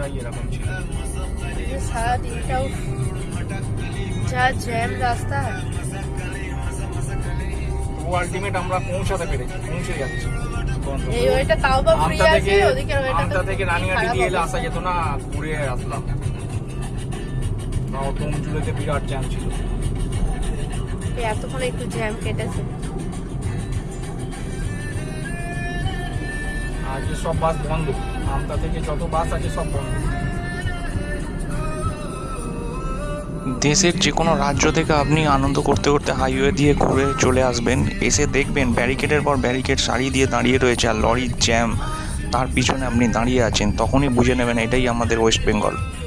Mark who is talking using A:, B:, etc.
A: রাস্তাটাই এরকম ছিল।
B: সারা দিনটাও যা জ্যাম রাস্তা।
A: ও আলটিমেট আমরা পৌঁছে যাচ্ছি।
B: এই ওইটা তাও বা ফ্রি আছে, ওদিকে
A: আমতা থেকে রানিহাটি দিয়ে এলে আসা যেত না, ঘুরে আসলাম। তাও তমজুড়েতে বিরাট জ্যাম ছিল।
B: এতক্ষণ একটু জ্যাম কেটেছে।
A: আজকে সব বাস বন্ধ, আমতা থেকে যত বাস আছে সব বন্ধ।
C: দেশের যে কোনো রাজ্য থেকে আপনি আনন্দ করতে করতে হাইওয়ে দিয়ে ঘুরে চলে আসবেন, এসে দেখবেন ব্যারিকেডের পর ব্যারিকেড সারি দিয়ে দাঁড়িয়ে রয়েছে আর লরির জ্যাম তার পিছনে আপনি দাঁড়িয়ে আছেন, তখনই বুঝে নেবেন এটাই আমাদের ওয়েস্ট বেঙ্গল।